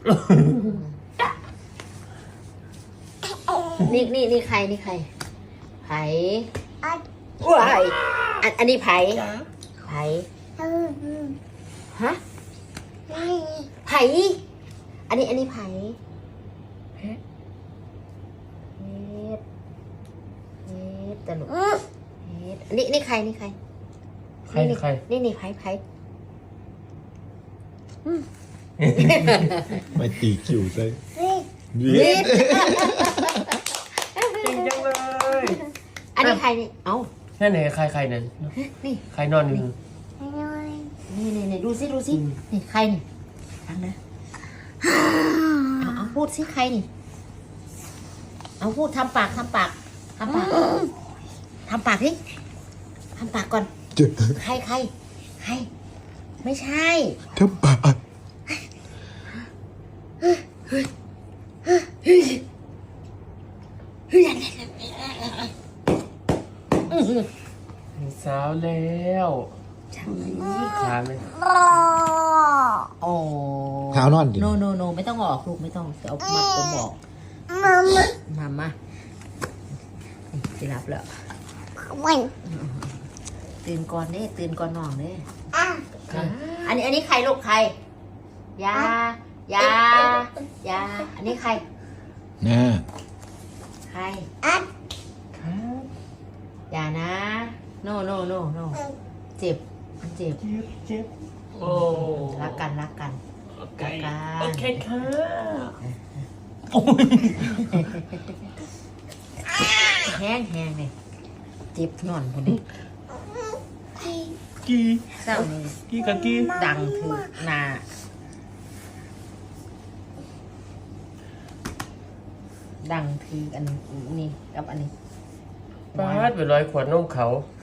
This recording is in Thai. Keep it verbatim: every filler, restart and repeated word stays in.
นี่นี่นี่ใครนี่ใครไผ่ว้ายอันอันนี้ไผ่ไผ่ฮะไผ่อันนี้อันนี้ไผ่เฮ็ดเฮ็ดตลกเฮ็ดนี่นี่ใครนี่ใครใครใครนี่นี่ไผ่ไผ่มาตีคิวใส่วีนี่จริงจังเลยอันนี้ใครนี่เอ้านั่นไหนใครใครนั่นนี่ใครนอนอยู่นี่นี่นี่ดูสิดูสินี่ใครนี่ฟังนะเอาเอาพูดสิใครนี่เอาพูดทำปากทำปากทำปากทำปากสิทำปากก่อนใครใครใครไม่ใช่ทำปากมีสาวแล้วขาไหมโอ้เท้านอนดิโนโนโนไม่ต้องออกลูกไม่ต้องเอามัดผมออกมามามาจะรับแล้วตื่นก่อนเด้ตื่นก่อนนอนเด้อันนี้อันนี้ใครลูกใครยายายาอันนี้ใครน่าใครครับอย่านะโนโนโนโนเจ็บมันเจ็บเจ็บเจ็บโอ้รักกันรักกันโอเครักกันโอเคค่ะโอ้ยแห้งแห้งเลยเจ็บนอนคนนี้กีเศร้านี่กีกับกีดังถือหนาดังถืออันนี้กับอันนี้ปาดไปร้อยขวดนมเขา